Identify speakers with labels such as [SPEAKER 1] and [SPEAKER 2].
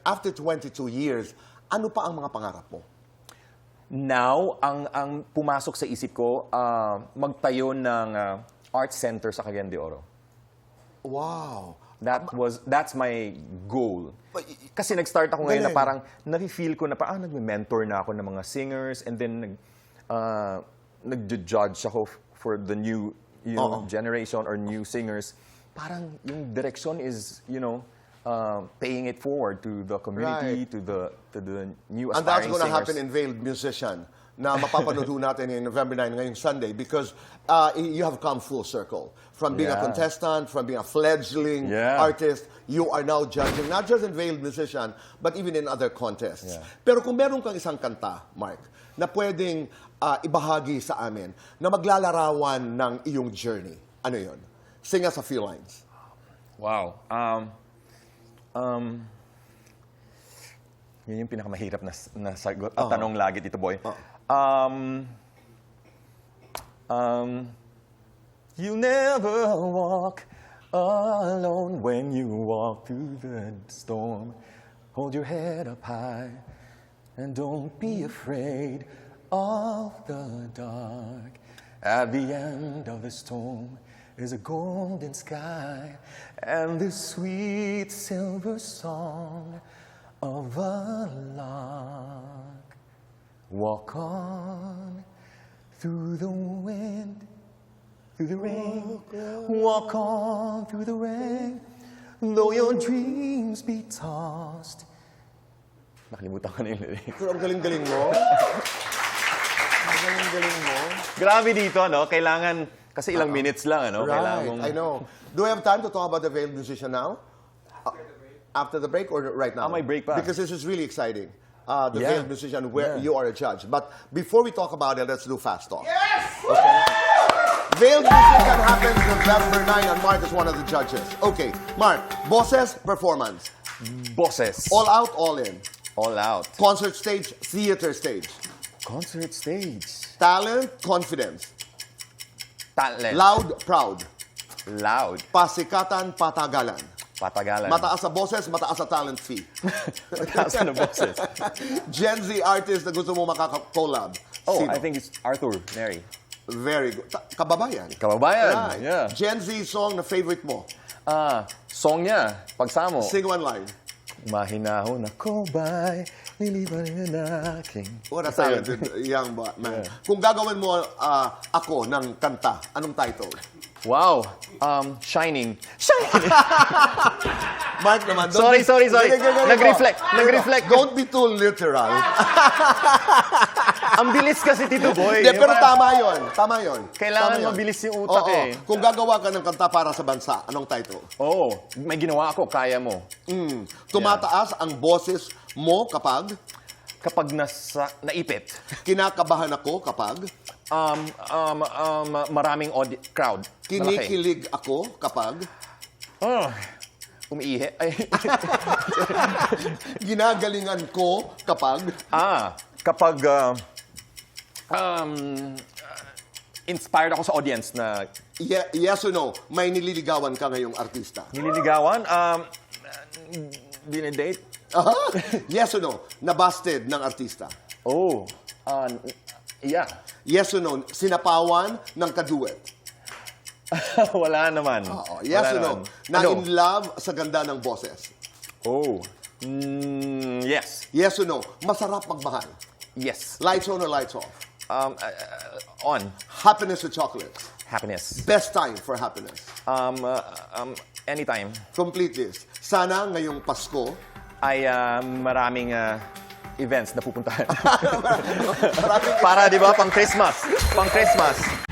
[SPEAKER 1] after 22 years, ano pa ang mga pangarap mo?
[SPEAKER 2] Now, ang pumasok sa isip ko, magtayo ng art center sa Cagayan de Oro.
[SPEAKER 1] Wow.
[SPEAKER 2] That's my goal. Kasi nag-start ako ngayon na parang nafe-feel ko na nagme-mentor na ako ng mga singers, and then nag-judge ako for the new generation or new singers. Parang yung direction is, paying it forward to the community, to the new
[SPEAKER 1] And that's
[SPEAKER 2] aspiring
[SPEAKER 1] going to
[SPEAKER 2] singers.
[SPEAKER 1] happen in Veiled Musician na mapapanood natin in November 9 ngayong Sunday, because you have come full circle. From being a contestant, from being a fledgling artist, you are now judging, not just in Veiled Musician, but even in other contests. Pero kung meron kang isang kanta, Mark, na pwedeng ibahagi sa amin, na maglalarawan ng iyong journey, ano yun? Sing us a few lines.
[SPEAKER 2] Wow. Yun yung pinakamahirap na sagot at tanong lagi dito, boy. You never walk alone when you walk through the storm. Hold your head up high and don't be afraid of the dark. At the end of the storm is a golden sky and the sweet silver song of a lark. Walk on through the wind, through the rain. Walk on through the rain, though your dreams be tossed. Nakalimutan ko na yung lyrics.
[SPEAKER 1] Pero ang galing-galing mo. Ang galing-galing mo.
[SPEAKER 2] Grabe dito, no? Kailangan, kasi ilang minutes lang, ano? Kailangan mong...
[SPEAKER 1] Right, I know. Do we have time to talk about the Veiled Musician now? After the break or right now?
[SPEAKER 2] May break pa.
[SPEAKER 1] Because this is really exciting. The Veiled Musician, where you are a judge. But before we talk about it, let's do Fast Talk.
[SPEAKER 3] Yes!
[SPEAKER 1] Okay? Veiled Musician happens November 9 and Mark is one of the judges. Okay, Mark, bosses, performance.
[SPEAKER 2] Bosses.
[SPEAKER 1] All out, all in.
[SPEAKER 2] All out.
[SPEAKER 1] Concert stage, theater stage.
[SPEAKER 2] Concert stage.
[SPEAKER 1] Talent, confidence.
[SPEAKER 2] Talent.
[SPEAKER 1] Loud, proud.
[SPEAKER 2] Loud.
[SPEAKER 1] Pasikatan, patagalan.
[SPEAKER 2] Patagalan.
[SPEAKER 1] Mataas sa boses, mataas sa talent fee.
[SPEAKER 2] Mataas na boses.
[SPEAKER 1] Gen Z artist na gusto mo makaka-collab.
[SPEAKER 2] Oh,
[SPEAKER 1] Sino?
[SPEAKER 2] I think it's Arthur Neri.
[SPEAKER 1] Very good. Kababayan.
[SPEAKER 2] Kababayan.
[SPEAKER 1] Right.
[SPEAKER 2] Yeah.
[SPEAKER 1] Gen Z song na favorite mo.
[SPEAKER 2] Song niya, Pagsamo.
[SPEAKER 1] Sing one line.
[SPEAKER 2] Mahinahon ako ba'y niliban na aking...
[SPEAKER 1] What a talented young man. Kung gagawin mo ako ng kanta, anong title?
[SPEAKER 2] Wow. Shining. Shining.
[SPEAKER 1] Mark naman.
[SPEAKER 2] Sorry. Nag-reflect.
[SPEAKER 1] Don't be too literal.
[SPEAKER 2] Ang bilis kasi, Tito Boy.
[SPEAKER 1] Pero tama yun.
[SPEAKER 2] Kailangan
[SPEAKER 1] Tama yun.
[SPEAKER 2] mabilis yung utak eh.
[SPEAKER 1] Kung gagawa ka ng kanta para sa bansa, anong title?
[SPEAKER 2] May ginawa ako, kaya mo.
[SPEAKER 1] Tumataas ang boses mo kapag?
[SPEAKER 2] Kapag naipit.
[SPEAKER 1] Kinakabahan ako kapag?
[SPEAKER 2] Maraming crowd.
[SPEAKER 1] Kinikilig ako kapag?
[SPEAKER 2] Umiihi. Ay.
[SPEAKER 1] Ginagalingan ko kapag?
[SPEAKER 2] Kapag inspired ako sa audience na...
[SPEAKER 1] Yes or no, may nililigawan ka ngayong artista?
[SPEAKER 2] Nililigawan? Dinedate?
[SPEAKER 1] Yes or no, nabasted ng artista?
[SPEAKER 2] Yeah.
[SPEAKER 1] Yes or no, sinapawan ng kaduet?
[SPEAKER 2] Wala naman.
[SPEAKER 1] Yes
[SPEAKER 2] Wala
[SPEAKER 1] or no,
[SPEAKER 2] naman.
[SPEAKER 1] na in love sa ganda ng boses?
[SPEAKER 2] Yes.
[SPEAKER 1] Yes or no, masarap magmahal?
[SPEAKER 2] Yes.
[SPEAKER 1] Lights on or lights off?
[SPEAKER 2] On.
[SPEAKER 1] Happiness or chocolates?
[SPEAKER 2] Happiness.
[SPEAKER 1] Best time for happiness?
[SPEAKER 2] Anytime.
[SPEAKER 1] Complete this. Sana ngayong Pasko,
[SPEAKER 2] Ay maraming events na pupuntahan. Para, di ba, pang Christmas.